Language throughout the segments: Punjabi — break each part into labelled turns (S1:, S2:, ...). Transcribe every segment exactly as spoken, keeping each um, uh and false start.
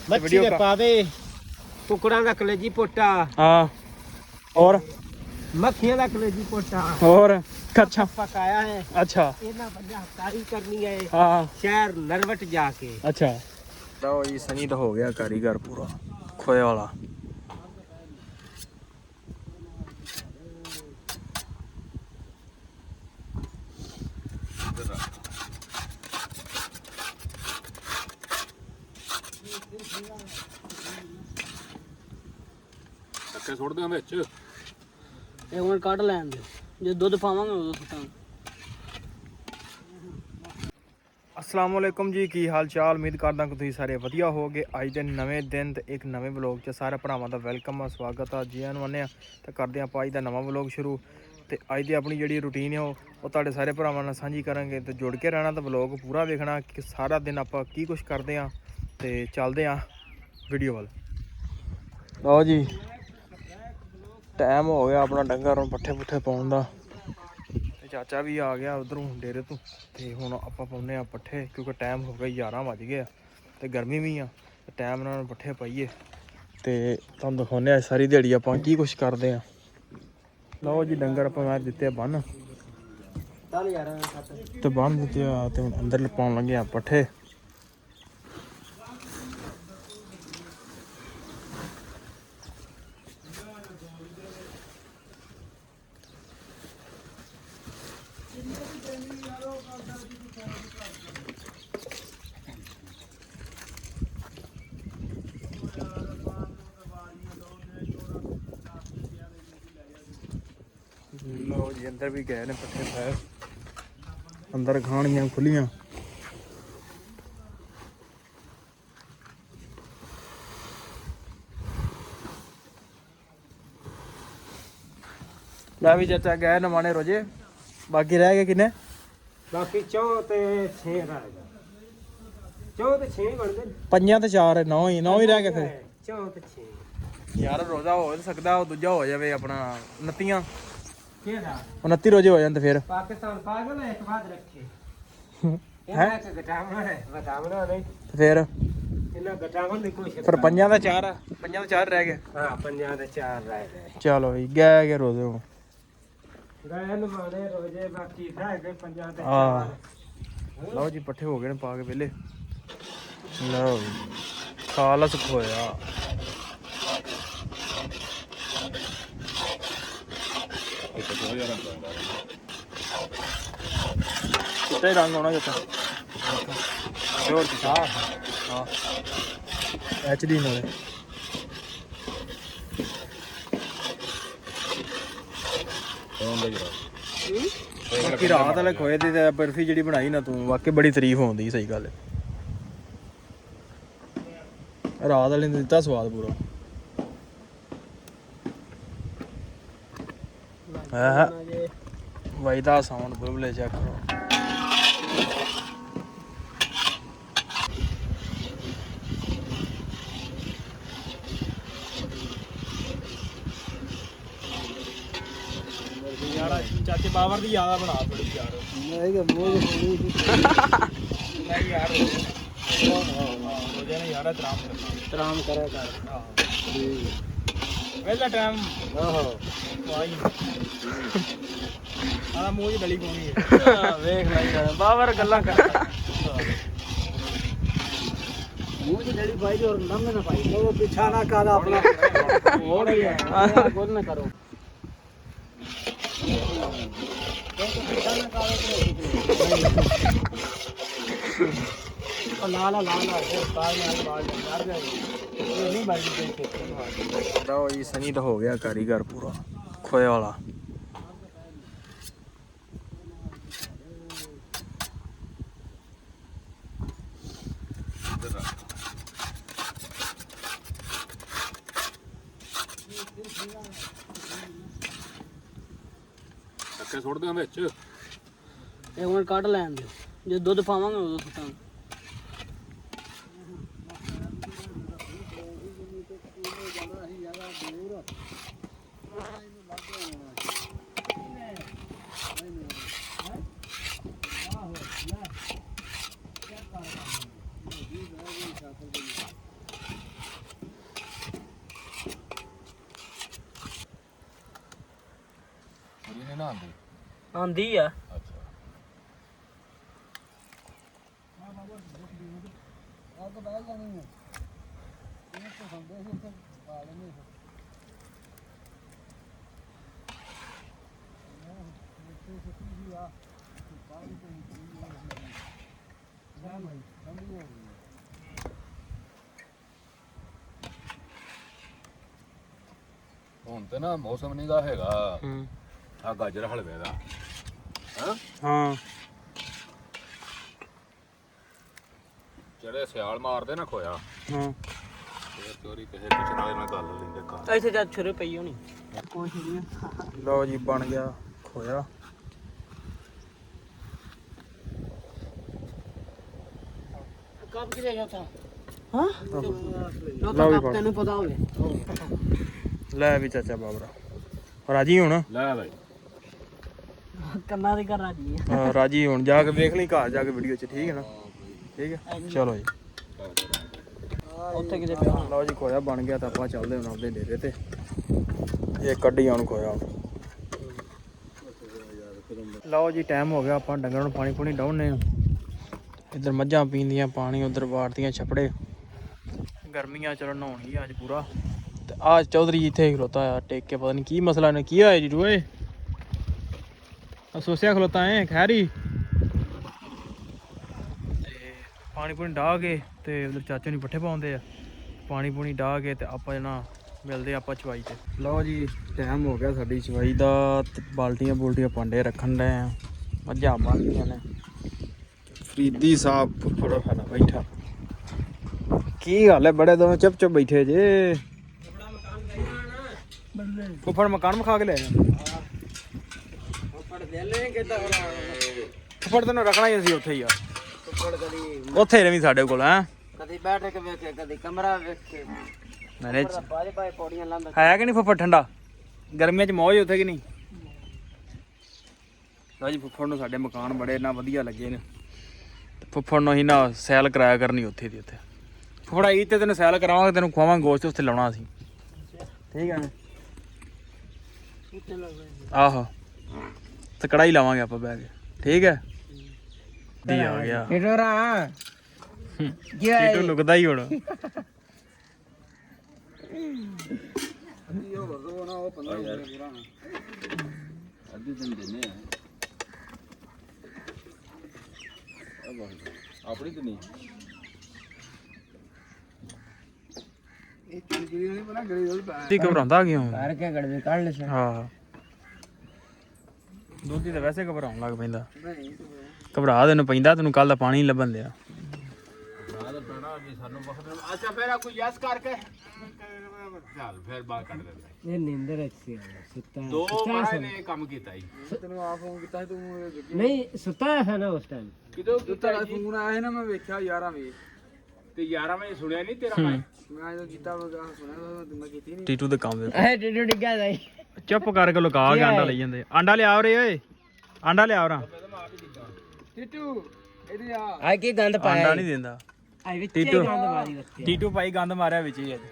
S1: मच्छी दे पावे कुकड़ा दा कलेजी पोटा
S2: हाँ और
S1: मक्खियां दा कलेजी पोटा
S2: और अच्छा
S1: पकाया है।
S2: अच्छा
S1: इतना बढ़िया हफ्तारी करनी है
S2: हाँ
S1: शहर नरवट जाके।
S2: अच्छा ਲਓ ਜੀ ਸਨੀ ਤਾਂ ਹੋ ਗਿਆ ਕਾਰੀਗਰ ਪੂਰਾ ਖੋਏ ਵਾਲਾ।
S3: ਧੱਕੇ ਸੁੱਟਦੇ ਆ ਵਿੱਚ
S4: ਇਹ ਹੁਣ ਕੱਢ ਲੈਣ ਦੇ ਜੇ ਦੁੱਧ ਪਾਵਾਂਗੇ ਉਦੋਂ ਸੁੱਟਾਂਗੇ।
S2: ਅਸਲਾਮ ਵਾਲੇਕੁਮ ਜੀ, ਕੀ ਹਾਲ ਚਾਲ? ਉਮੀਦ ਕਰਦਾ ਕਿ ਤੁਸੀਂ ਸਾਰੇ ਵਧੀਆ ਹੋਵੋਗੇ। ਅੱਜ ਦੇ ਨਵੇਂ ਦਿਨ ਤੇ ਇੱਕ ਨਵੇਂ ਵਲੌਗ 'ਚ ਸਾਰੇ ਭਰਾਵਾਂ ਦਾ ਵੈਲਕਮ ਆ, ਸਵਾਗਤ ਆ ਜੀ ਆਇਆਂ ਨੂੰ ਆਉਂਦੇ ਆ ਤੇ ਕਰਦੇ ਹਾਂ ਆਪਾਂ ਅੱਜ ਦਾ ਨਵਾਂ ਵਲੌਗ ਸ਼ੁਰੂ। ਤੇ ਅੱਜ ਦੀ ਆਪਣੀ ਜਿਹੜੀ ਰੂਟੀਨ ਹੈ ਉਹ ਉਹ ਤੁਹਾਡੇ ਸਾਰੇ ਭਰਾਵਾਂ ਨਾਲ ਸਾਂਝੀ ਕਰਾਂਗੇ ਤੇ ਜੁੜ ਕੇ ਰਹਿਣਾ ਤੇ ਵਲੌਗ ਪੂਰਾ ਵੇਖਣਾ ਕਿ ਸਾਰਾ ਦਿਨ ਆਪਾਂ ਕੀ ਕੁਛ ਕਰਦੇ ਹਾਂ ਤੇ ਚੱਲਦੇ ਹਾਂ ਵੀਡੀਓ ਵੱਲ। ਲਓ ਜੀ ਟਾਈਮ ਹੋ ਗਿਆ ਆਪਣਾ ਡੰਗਰ ਨੂੰ ਪੱਠੇ ਪੁੱਠੇ ਪਾਉਣ ਦਾ ਤੇ ਚਾਚਾ ਵੀ ਆ ਗਿਆ ਉਧਰੋਂ ਡੇਰੇ ਤੋਂ ਤੇ ਹੁਣ ਆਪਾਂ ਪਾਉਂਦੇ ਆ ਪੱਠੇ ਕਿਉਂਕਿ ਟਾਈਮ ਹੋ ਗਿਆ ਗਿਆਰਾਂ ਵੱਜ ਗਏ ਆ ਤੇ ਗਰਮੀ ਵੀ ਆ ਤੇ ਟਾਈਮ ਨਾਲ ਪੱਠੇ ਪਾਈਏ ਤੇ ਤੁਹਾਨੂੰ ਦਿਖਾਉਂਦੇ ਆ ਸਾਰੀ ਦਿਹਾੜੀ ਆਪਾਂ ਕੀ ਕੁਛ ਕਰਦੇ ਆ। ਲਓ ਜੀ ਡੰਗਰ ਆਪਾਂ ਮੈਂ ਦਿੱਤੇ ਆ ਬੰਨ ਤੇ ਬੰਨ ਦਿੱਤੇ ਆ ਤੇ ਹੁਣ ਅੰਦਰ ਪਾਉਣ ਲੱਗੇ ਆ ਪੱਠੇ। ਲਓ ਜੀ ਅੰਦਰ ਵੀ ਗਏ ਨੇ ਪੱਠੇ ਪੈ ਅੰਦਰ ਖਾਣੀਆਂ ਖੁੱਲੀਆਂ। ਲੈ ਵੀ ਚਾਚਾ ਗਏ ਨਵਾਣੇ ਰੋਜੇ, ਬਾਕੀ ਰਹਿ ਗਏ ਕਿੰਨੇ?
S1: ਬਾਕੀ ਚੌ ਤੇ ਛੇ ਰਹਿ ਗਿਆ। ਚੌ ਤੇ ਛੇ ਬਣ ਗਏ।
S2: ਪੰਜਾਂ ਤੇ ਚਾਰ ਨੌ ਹੀ ਨੌ ਹੀ ਰਹਿ ਗਏ ਫਿਰ।
S1: ਚੌ ਤੇ ਛੇ
S2: ਯਾਰ ਰੋਜ਼ਾ ਹੋ ਸਕਦਾ ਉਹ ਦੂਜਾ ਹੋ ਜਾਵੇ ਆਪਣਾ ਉਨੱਤੀਆਂ
S1: ਕਿਹੜਾ
S2: ਉਨੱਤੀ ਰੋਜ਼ੇ ਹੋ ਜਾਂਦੇ ਫਿਰ।
S1: ਪਾਕਿਸਤਾਨ ਪਾਗਲ ਹੈ ਇੱਕ ਬਾਦ ਰੱਖੇ
S2: ਹੈਂ?
S1: ਇਹਨਾਂ ਚ ਘਟਾਵਣਾ ਹੈ ਵਧਾਵਣਾ ਨਹੀਂ
S2: ਫਿਰ
S1: ਇਹਨਾਂ ਘਟਾਵਣ ਦੀ ਕੋਈ
S2: ਫਿਰ ਪੰਜਾਂ ਦਾ ਚਾਰ ਆ, ਪੰਜਾਂ ਦਾ ਚਾਰ ਰਹਿ ਗਏ।
S1: ਹਾਂ ਪੰਜਾਂ ਦੇ ਚਾਰ ਰਹਿ ਗਏ।
S2: ਚਲੋ ਜੀ ਗਏ ਗਏ ਰੋਜ਼ੇ ਹੁਣ।
S1: ਗਏ ਨਮਾਣੇ ਰੋਜੇ ਬਾਕੀ ਰਹਿ ਗਏ ਪੰਜਾਂ ਦੇ
S2: ਹਾਂ।
S1: ਚਾਰ।
S2: ਲਓ ਜੀ ਪੱਠੇ ਹੋ ਗਏ ਨੇ ਪਾ ਕੇ ਵਿਹਲੇ। ਲਓ ਜੀ ਖਾਲਸ ਖੋਇਆ ਚਿੱਟੇ ਰੰਗ ਆਉਣਾ ਜਿੱਤਾ ਪਿਓਰ ਚਿੱਟਾ। ਹਾਂ ਐਚ ਡੀ ਨਾਲੇ ਬਾਕੀ ਰਾਤ ਵਾਲੇ ਖੋਏ ਦੀ ਤੇ ਬਰਫੀ ਜਿਹੜੀ ਬਣਾਈ ਨਾ ਤੂੰ ਵਾਕਈ ਬੜੀ ਤਾਰੀਫ ਹੁੰਦੀ। ਸਹੀ ਗੱਲ ਹੈ, ਰਾਤ ਵਾਲੇ ਨੇ ਦਿੱਤਾ ਸਵਾਦ ਪੂਰਾ। ਹਾਂ ਵਜਦਾ ਸਾਊਂਡ ਬੁਲਬੁਲੇ ਚੈੱਕ ਕਰੋ। ਯਾਰ ਚਾਚੇ ਬਾਵਰ ਦੀ ਯਾਦ ਬਣਾ ਥੋੜੀ ਯਾਰ।
S4: ਨਹੀਂ ਕਿ ਮੋਹ ਨਹੀਂ
S2: ਨਹੀਂ ਯਾਰ ਰੋਜ਼ਾਨਾ ਯਾਰ ਆਰਾਮ ਕਰਨਾ
S4: ਤਰਾਮ ਕਰਿਆ ਕਰ।
S2: ਪਹਿਲਾ ਟਾਈਮ
S4: ਆਹੋ
S2: ਵਾਈ ਆਹ ਮੂੰਹ 'ਚ ਡਲੀ ਪਾਉਣੀ ਹੈ।
S4: ਵੇਖ ਲੈ ਯਾਰ ਬਾਬਰ ਗੱਲਾਂ ਕਰ ਮੂੰਹ ਦੀ ਡੜੀ ਪਾਈ ਔਰ ਨੰਮ ਨਾ ਪਾਈ ਉਹ ਪਿੱਛਾ ਨਾ ਕਰ ਆਪਣਾ ਹੋਰ ਹੀ ਹੈ ਗੁੱਲ ਨਾ ਕਰੋ। ਲਾਲਾ ਲਾਲਾ ਬਾਲ ਨਾਲ ਬਾਲ ਕਰ ਜਾਏ ਇਹ ਨਹੀਂ ਬਾਈ ਦੇ ਕੇ।
S2: ਲਓ ਜੀ ਸਨੀ ਤਾਂ ਹੋ ਗਿਆ ਕਾਰੀਗਰ ਪੂਰਾ ਖੋਏ ਵਾਲਾ।
S3: ਧੱਕੇ ਸੁੱਟਦੇ ਆ ਵਿੱਚ
S4: ਇਹ ਹੁਣ ਕੱਢ ਲੈਣ ਦੇ ਜੇ ਦੁੱਧ ਪਾਵਾਂਗੇ ਉਦੋਂ ਸੁੱਟਾਂਗੇ।
S3: ਆਂਦੀ
S4: ਆਂਦੀ ਆ
S3: ਅੱਛਾ ਹੁਣ ਤੇ ਨਾ ਮੌਸਮ ਨਹੀਂ ਦਾ ਹੈਗਾ
S2: ਹੂੰ
S3: ਆ ਗਾਜਰ ਹਲਵੇ ਦਾ ਹਾਂ
S2: ਹਾਂ
S3: ਜਿਹੜੇ ਸਿਆਲ ਮਾਰਦੇ ਨਾ ਖੋਇਆ
S2: ਹਾਂ
S3: ਤੇ ਚੋਰੀ ਕਿਸੇ ਕਿਸੇ ਨਾਲ ਨਾਲ ਗੱਲ ਲੈਂਦੇ ਘਰ
S4: ਇੱਥੇ ਜਦ ਛੁਰੇ ਪਈ ਹੋਣੀ ਕੁਛ ਨਹੀਂ
S2: ਲਓ ਜੀ ਬਣ ਗਿਆ ਖੋਇਆ
S4: ਕੱਪ ਕਿਲੇ ਗਿਆ ਤਾਂ ਹਾਂ ਲੋ
S2: ਲਓ
S4: ਤਾਂ
S2: ਵੀ
S4: ਕੱਪ
S2: ਬਣ।
S4: ਤੈਨੂੰ ਪਤਾ ਹੋਵੇ
S2: ਲੈ ਵੀ ਚਾਚਾ ਬਾਬਰਾ ਰਾਜੀ ਹੁਣ
S3: ਲੈ ਬਾਈ
S4: ਕੰਨਾਂ ਦੇ ਘਰ ਰਾਜੀ ਆ
S2: ਹਾਂ, ਰਾਜੀ ਹੁਣ ਜਾ ਕੇ ਵੇਖ ਲਈ ਘਰ ਜਾ ਕੇ ਵੀਡੀਓ 'ਚ ਠੀਕ ਹੈ ਨਾ ਠੀਕ ਹੈ ਚਲੋ ਜੀ
S4: ਉੱਥੇ ਕਿਤੇ ਪਿਆ ਹੋਣਾ।
S2: ਲਓ ਜੀ ਖੋਇਆ ਬਣ ਗਿਆ ਤਾਂ ਆਪਾਂ ਚੱਲਦੇ ਹੁਣ ਆਪਦੇ ਡੇਰੇ ਤੇ ਇਹ ਕੱਢੀ ਹੁਣ ਖੋਇਆ ਲਓ ਜੀ ਟਾਈਮ ਹੋ ਗਿਆ ਆਪਾਂ ਡੰਗਰਾਂ ਨੂੰ ਪਾਣੀ ਪੂਣੀ ਡਾਉਣੇ ਆ ਇੱਧਰ ਮੱਝਾਂ ਪੀਂਦੀਆਂ ਪਾਣੀ ਉਧਰ ਵਾਰਦੀਆਂ ਛਪੜੇ ਗਰਮੀਆਂ ਚਲੋ ਨਹਾਉਣੀ ਅੱਜ ਪੂਰਾ ਤੇ ਆ ਚੌਧਰੀ ਜੀ ਇੱਥੇ ਖਲੋਤਾ ਆ ਟੇਕ ਕੇ ਪਤਾ ਨਹੀਂ ਕੀ ਮਸਲਾ ਨੇ ਕੀ ਹੋਇਆ ਜੀ ਰੋਏ ਅਸੋਸਿਆ ਖਲੋਤਾ ਐ ਖੈਰੀ ਤੇ ਪਾਣੀ ਪੂਣੀ ਡਾਹ ਕੇ ਤੇ ਉਧਰ ਚਾਚੇ ਨੂੰ ਪੱਠੇ ਪਾਉਂਦੇ ਆ ਪਾਣੀ ਪੂਣੀ ਡਾਹ ਕੇ ਤੇ ਆਪਾਂ ਜਣਾ ਮਿਲਦੇ ਆਪਾਂ ਚਵਾਈ ਤੇ ਲਓ ਜੀ ਟਾਈਮ ਹੋ ਗਿਆ ਸਾਡੀ ਚਵਾਈ ਦਾ ਤੇ ਬਾਲਟੀਆਂ ਬੁਲਟੀਆਂ ਭਾਂਡੇ ਰੱਖਣ ਡਏ ਆ ਮੱਝਾਂ ਬੰਨ੍ਹਦੀਆਂ ਨੇ ਫਰੀਦੀ ਸਾਹਿਬ ਫੁੱਫੜ ਖਾਣਾ ਬੈਠਾ ਕੀ ਗੱਲ ਹੈ ਬੜੇ ਦੋਵੇਂ ਚੁੱਪ ਚੁੱਪ ਬੈਠੇ ਜੇ ਫੁੱਫੜ ਮਕਾਨ ਮਖਾ ਕੇ ਲੈ ਜਾ
S4: ਫੜ ਲੈ ਲੈ ਕਿੱਦਾਂ
S2: ਫੁੱਫੜ ਤੈਨੂੰ ਰੱਖਣਾ ਹੀ ਅਸੀਂ ਉੱਥੇ ਹੀ ਆ
S4: ਫੜ ਕਦੀ
S2: ਉੱਥੇ ਰਵੀ ਸਾਡੇ ਕੋਲ ਹੈ
S4: ਕਦੀ ਬੈਠ ਕੇ ਵੇਖੇ ਕਦੀ ਕਮਰਾ ਵੇਖੇ
S2: ਮੈਨੇ
S4: ਬਾਰੇ ਬਾਰੇ ਪੌੜੀਆਂ ਲੰਘ
S2: ਹੈ ਕਿ ਨਹੀਂ ਫੁੱਫੜ ਠੰਡਾ ਗਰਮੀਆਂ 'ਚ ਮੌਜ ਉੱਥੇ ਕਿ ਨਹੀਂ ਲਓ ਜੀ ਫੁੱਫੜ ਨੂੰ ਸਾਡੇ ਮਕਾਨ ਬੜੇ ਨਾ ਵਧੀਆ ਲੱਗੇ ਨੇ ਤੇ ਫੁੱਫੜ ਨੂੰ ਅਸੀਂ ਨਾ ਸੈਲ ਕਰਾਇਆ ਕਰਨੀ ਉੱਥੇ ਦੀ ਉੱਥੇ ਫੁੱਫੜਾ ਈਦ ਤੇ ਤੈਨੂੰ ਸੈਲ ਕਰਾਵਾਂਗੇ ਤੈਨੂੰ ਖਵਾਵਾਂਗੇ ਗੋਸ਼ਤ ਉੱਥੇ ਲਾਉਣਾ ਅਸੀਂ ਠੀਕ ਹੈ ਨਾ ਆਹੋ ਤੇ ਕੜਾਈ ਲਾਵਾਂਗੇ ਆਪਾਂ ਬਹਿ ਕੇ ਠੀਕ ਹੈ ਦੀ ਆ ਗਿਆ
S4: ਇਡੋਰਾ
S2: ਟੀਟੂ ਲੁਕਦਾ ਹੀ ਹੁਣ
S3: ਅੱਧੀ ਦਿਨ ਦਿੰਨੇ ਆ ਆਪਣੀ ਤੇ ਨਹੀਂ
S2: ਤੀ ਘਬਰਾਉਂਦਾ ਕਿਉਂ
S4: ਕਰ ਕੇ ਗੜਵੇ ਕੱਢ ਲੈ
S2: ਹਾਂ ਦੋਧੀ ਤਾਂ ਵੈਸੇ ਘਬਰਾਉਣ ਲੱਗ ਪੈਂਦਾ ਘਬਰਾ ਤੈਨੂੰ ਪੈਂਦਾ ਤੈਨੂੰ ਕੱਲ ਦਾ ਪਾਣੀ ਨਹੀਂ ਲੱਭਣ ਦਿਆ
S3: ਅੱਛਾ ਫੇਰ ਕੋਈ ਯਸ ਕਰਕੇ ਚੱਲ ਫੇਰ ਬਾਹਰ ਕੱਢ ਦਿੰਦੇ
S4: ਇਹ ਨਿੰਦਰ ਅੱਛੀ ਸੁੱਤਾ
S3: ਦੋ ਵਾਰ ਨੇ ਕੰਮ ਕੀਤਾ ਜੀ
S2: ਤੈਨੂੰ ਆ ਫੋਨ ਕੀਤਾ ਤੂੰ
S4: ਨਹੀਂ ਸੁੱਤਾ ਹੈ ਨਾ ਉਸ ਟਾਈਮ
S3: ਕਿਦੋਂ ਕੀਤਾ ਜੀ
S2: ਫੋਨ ਆਇਆ ਨਾ ਮੈਂ ਵੇਖਿਆ ਗਿਆਰਾਂ ਵਜੇ
S3: ਤੇ ਗਿਆਰਾਂ ਵਜੇ ਸੁਣਿਆ ਨਹੀਂ ਤੇਰਾ ਮੈਂ
S2: ਮੈਂ ਜਦੋਂ ਕੀਤਾ ਸੁਣਿਆ ਮੈਂ ਕੀਤੀ ਨਹੀਂ ਟੀਟੂ ਦੇ ਕੰਮ ਦੇ
S4: ਇਹ ਡਿੱਡੂ ਡਿੱਗਾ ਜਾਈ
S2: ਚੁੱਪ ਕਰਕੇ ਲੁਕਾ ਕੇ ਆਂਡਾ ਲਈ ਜਾਂਦੇ ਆਂਡਾ ਲਿਆ ਰੇ ਓਏ ਆਂਡਾ ਲਿਆ ਰਾਂ ਟੀਟੂ ਇਹਦੇ ਆ
S4: ਆ ਕੀ ਗੰਦ ਪਾਇਆ
S2: ਆਂਡਾ ਨਹੀਂ ਦਿੰਦਾ
S4: ਆ ਵਿੱਚ
S2: ਟੀਟੂ
S4: ਗੰਦ ਮਾਰੀ ਰੱਖੀ
S2: ਟੀਟੂ ਭਾਈ ਗੰਦ ਮਾਰਿਆ ਵਿੱਚ ਹੀ ਅੱਜ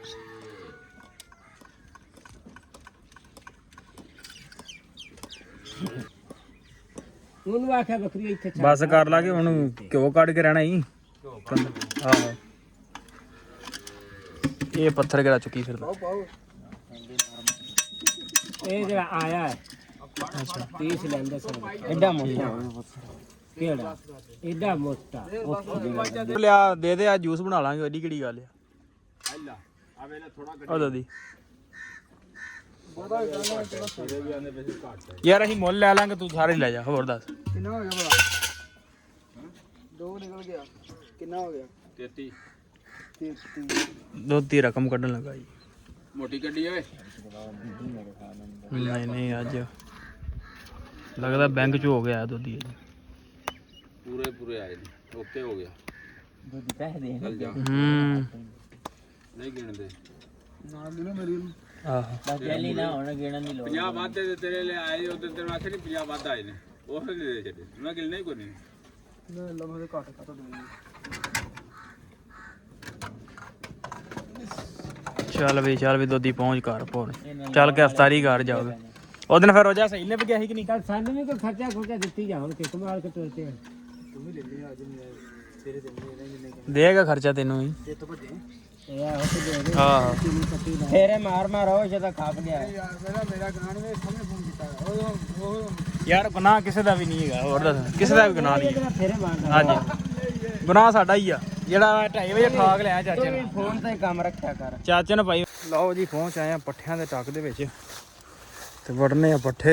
S4: ਉਹਨੂੰ ਆਖਿਆ ਬੱਕਰੀ ਇੱਥੇ ਛੱਡ
S2: ਬਸ ਕਰ ਲਾਗੇ ਹੁਣ ਘਿਓ ਕੱਢ ਕੇ ਰਹਿਣਾ ਹੀ ਆਹੋ ਇਹ ਪੱਥਰ ਕਿਹੜਾ ਚੁੱਕੀ ਫਿਰਦਾ
S4: ਇਹ ਜਿਹੜਾ ਆਇਆ ਹੈ ਅੱਛਾ ਤੀਸ ਲੈਂਦੇ ਸਨ ਐਡਾ ਮੋਟਾ ਕਿਹੜਾ ਐਡਾ ਮੋਟਾ
S2: ਲਿਆ ਦੇ ਦੇ ਆ ਜੂਸ ਬਣਾ ਲਾਂਗੇ ਐਡੀ ਕਿਹੜੀ ਗੱਲ ਆ
S3: ਆ ਵੇਲੇ ਥੋੜਾ
S2: ਉਹ ਦਾਦੀ ਯਾਰ ਅਸੀਂ ਮੁੱਲ ਲੈ ਲਾਂਗੇ ਤੂੰ ਸਾਰੇ ਲੈ ਜਾ ਹੋਰ ਦੱਸ
S4: ਕਿੰਨਾ ਹੋ ਗਿਆ ਭਲਾ ਦੋ ਨਿਕਲ ਗਿਆ ਕਿੰਨਾ ਹੋ ਗਿਆ
S3: ਤੇਤੀ
S2: ਦੁੱਧ ਦੀ ਰਕਮ ਕੱਢਣ ਲੱਗਾ ਜੀ
S3: ਮੋਟੀ ਗੱਡੀ ਓਏ
S2: ਨਹੀਂ ਨਹੀਂ ਅੱਜ ਲੱਗਦਾ ਬੈਂਕ ਚ ਹੋ ਗਿਆ ਦੁੱਧ ਹੀ
S3: ਪੂਰੇ ਪੂਰੇ ਆਏ ਨੇ ਓਕੇ ਹੋ ਗਿਆ
S4: ਦੁੱਧ ਪੈਸੇ ਦੇ
S3: ਚੱਲ ਜਾ
S2: ਹੂੰ
S3: ਨਹੀਂ ਗਿਣਦੇ
S2: ਨਾਲ ਦੀ ਨਾ ਮੇਰੀ ਆਹੋ
S4: ਬਸ ਜੈਲੀ ਨਾ ਹੁਣ ਗਿਣਨ ਦੀ ਲੋੜ
S3: ਪੰਜਾਹ ਵਾਧੇ ਤੇ ਤੇਰੇ ਲਈ ਆਏ ਉਧਰ ਤੇਰੇ ਵਾਸਤੇ ਨਹੀਂ ਪੰਜਾਹ ਵੱਧ ਆਏ ਨੇ ਉਹ ਫਿਰ ਦੇ ਦੇ ਛੱਡੇ ਮੈਂ ਗਿਣਨਾ ਹੀ ਕੋਈ ਨਹੀਂ
S2: ਲੈ ਲਾ ਮੈਂ ਘੱਟ ਘੱਟ ਦੇ ਚੱਲ ਵੀ ਚੱਲ ਵੀ ਦੋਦੀ ਪਹੁੰਚ ਘਰ ਪਹੁੰਚ ਚੱਲ ਕੇ ਅਫਤਾਰੀ ਘਰ ਜਾਓਗੇ ਉਹ ਦਿਨ ਫਿਰ ਰੋਜਾ ਸਹੀ ਲੱਭ ਗਿਆ ਸੀ ਕਿ ਨਹੀਂ?
S4: ਕੱਲ ਸਾਨੂੰ ਵੀ ਕੋਈ ਖਰਚਾ ਖੁਰਚਾ ਦਿੱਤੀ ਜਾਣ ਕਿ ਕਮਾਲ ਕੇ ਤੁਰਤੇ ਆ।
S2: ਦੇਗਾ ਖਰਚਾ ਤੈਨੂੰ ਵੀ।
S4: ਇਹ ਆ ਉਹ ਦੇ ਦੇ
S2: ਹਾਂ
S4: ਫੇਰੇ ਮਾਰ ਮਾਰ ਉਹ ਜਦੋਂ ਖੱਪ ਗਿਆ
S2: ਯਾਰ ਗੁਨਾਹ ਕਿਸੇ ਦਾ ਵੀ ਨਹੀਂ ਹੈਗਾ, ਹੋਰ ਦੱਸ ਕਿਸੇ ਦਾ ਵੀ ਗੁਨਾਹ ਨਹੀਂ ਹੈ।
S4: ਫੇਰੇ ਮਾਰਦਾ
S2: ਹਾਂਜੀ ਗੁਨਾਹ ਸਾਡਾ ਹੀ ਆ ਜਿਹੜਾ ਢਾਈ ਵਜੇ ਠਾਕ ਲਿਆ ਚਾਚੇ ਨੂੰ।
S4: ਫੋਨ ਤੇ ਕੰਮ ਰੱਖਿਆ ਕਰ।
S2: ਚਾਚੇ ਨੂੰ ਭਾਈ ਲਓ ਜੀ ਪਹੁੰਚ ਆਏ ਆ ਪੱਠਿਆਂ ਦੇ ਟੱਕ ਦੇ ਵਿੱਚ ਤੇ ਵੜਨੇ ਆ ਪੱਠੇ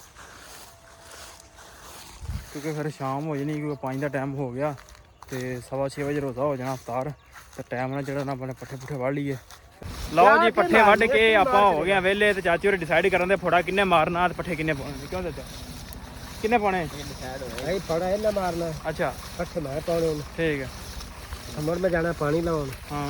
S2: ਕਿਉਂਕਿ ਫਿਰ ਸ਼ਾਮ ਹੋ ਜਾਣੀ ਕਿਉਂਕਿ ਪੰਜ ਦਾ ਟਾਈਮ ਹੋ ਗਿਆ ਤੇ ਸਵਾ ਛੇ ਵਜੇ ਰੋਜ਼ਾ ਹੋ ਜਾਣਾ ਅਫਤਾਰ ਤੇ ਟਾਈਮ ਨਾਲ ਜਿਹੜਾ ਨਾ ਆਪਣੇ ਪੱਠੇ ਪੁੱਠੇ ਵੱਢ ਲਈਏ। ਲਓ ਜੀ ਪੱਠੇ ਵੱਢ ਕੇ ਆਪਾਂ ਹੋ ਗਏ ਆ ਵਿਹਲੇ ਤੇ ਚਾਚੀ ਹੋਰੇ ਡਿਸਾਈਡ ਕਰਨ ਦੇ ਫੋੜਾ ਕਿੰਨੇ ਮਾਰਨਾ ਤੇ ਪੱਠੇ ਕਿੰਨੇ ਪਾਉਣੇ। ਕਿਉਂ ਚਾਚਾ ਕਿੰਨੇ ਪਾਉਣੇ?
S4: ਇਹ ਫੜਾ ਇਹਨਾਂ ਮਾਰਨਾ
S2: ਅੱਛਾ
S4: ਪੱਠੇ ਮੈਂ ਪਾਉਣੇ ਨੇ।
S2: ਠੀਕ ਹੈ
S4: ਸਮਰ ਮੈਂ ਜਾਣਾ ਪਾਣੀ ਲਾਉਣ।
S2: ਹਾਂ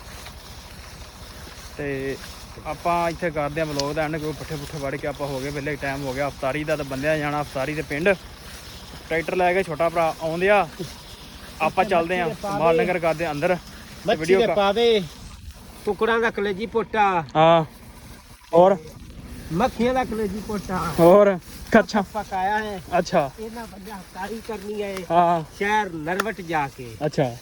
S2: ਤੇ ਆਪਾਂ ਇੱਥੇ ਕਰਦੇ ਆ ਵਲੋਗ ਦਾ ਐਂਡ ਕੋਈ ਪੱਠੇ ਪੁੱਠੇ ਵੜ ਕੇ ਆਪਾਂ ਹੋ ਗਏ ਵਿਹਲੇ ਟਾਈਮ ਹੋ ਗਿਆ ਅਫਤਾਰੀ ਦਾ ਤੇ ਬੰਦਿਆਂ ਜਾਣਾ ਅਫਤਾਰੀ ਦੇ ਪਿੰਡ ਟਰੈਕਟਰ ਲੈ ਕੇ ਛੋਟਾ ਭਰਾ ਆਉਂਦੇ ਆ ਆਪਾਂ ਚੱਲਦੇ ਆ ਮਾਲ ਨਗਰ ਕਰਦੇ ਆ ਅੰਦਰ
S4: ਮੱਛੀ ਦੇ ਪਾਵੇ ਕੁਕੜਾਂ ਦਾ ਕਲੇਜੀ ਪੋਟਾ
S2: ਹਾਂ ਹੋਰ
S4: ਮੱਖੀਆਂ ਦਾ ਕਲੇਜੀ ਪੋਟਾ
S2: ਹੋਰ ਅੱਛਾ
S4: ਪਕਾਇਆ ਹੈ।
S2: ਅੱਛਾ
S4: ਇਹਨਾਂ ਬੰਦਾ ਹਫਤਾਰੀ ਕਰਨੀ ਹੈ
S2: ਹਾਂ
S4: ਸ਼ਹਿਰ ਨਰਵਟ ਜਾ ਕੇ।
S2: ਅੱਛਾ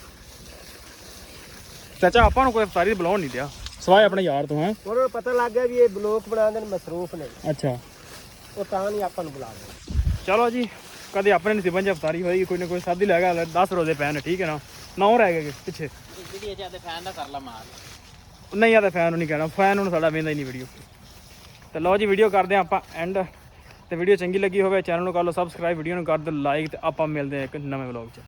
S2: ਚਾਚਾ ਆਪਾਂ ਨੂੰ ਕੋਈ ਅਫਤਾਰੀ ਬੁਲਾਉਣ ਨਹੀਂ ਦਿਆ ਸਵਾਏ ਆਪਣੇ ਯਾਰ ਤੋਂ ਹੈ
S4: ਉਹਨਾਂ ਨੂੰ ਪਤਾ ਲੱਗ ਗਿਆ ਵੀ ਇਹ ਬਲੋਕ ਬਣਾਉਂਦੇ ਨੇ ਮਸਰੂਫ ਨੇ
S2: ਅੱਛਾ
S4: ਉਹ ਤਾਂ ਨਹੀਂ ਆਪਾਂ ਨੂੰ ਬੁਲਾਉਂਦੇ।
S2: ਚਲੋ ਜੀ ਕਦੇ ਆਪਣੇ ਨਸੀਬਾਂ 'ਚ ਅਫਤਾਰੀ ਹੋਏਗੀ ਕੋਈ ਨਾ ਕੋਈ ਸਾਦੀ ਲੈ ਗਿਆ ਦਸ ਰੋਜ਼ੇ ਪੈਣ ਠੀਕ ਹੈ ਨਾ ਨੌ ਰਹਿ ਗਏ ਪਿੱਛੇ
S4: ਵੀਡੀਓ ਜਿਆਦਾ ਫੈਨ ਦਾ ਕਰ ਲਾ ਮਾਰ
S2: ਨਹੀਂ ਆ ਤਾਂ ਫੈਨ ਨੂੰ ਨਹੀਂ ਕਹਿਣਾ ਫੈਨ ਨੂੰ ਸਾਡਾ ਵੇਂਦਾ ਹੀ ਨਹੀਂ ਵੀਡੀਓ ਤੇ ਲਓ ਜੀ ਵੀਡੀਓ ਕਰਦੇ ਹਾਂ ਆਪਾਂ ਐਂਡ ਤੇ ਵੀਡੀਓ ਚੰਗੀ ਲੱਗੀ ਹੋਵੇ ਚੈਨਲ ਨੂੰ ਕਰ ਲਓ ਸਬਸਕ੍ਰਾਈਬ ਵੀਡੀਓ ਨੂੰ ਕਰ ਦਿਓ ਲਾਈਕ ਤੇ ਆਪਾਂ ਮਿਲਦੇ ਹਾਂ ਇੱਕ ਨਵੇਂ ਵਲੌਗ 'ਚ।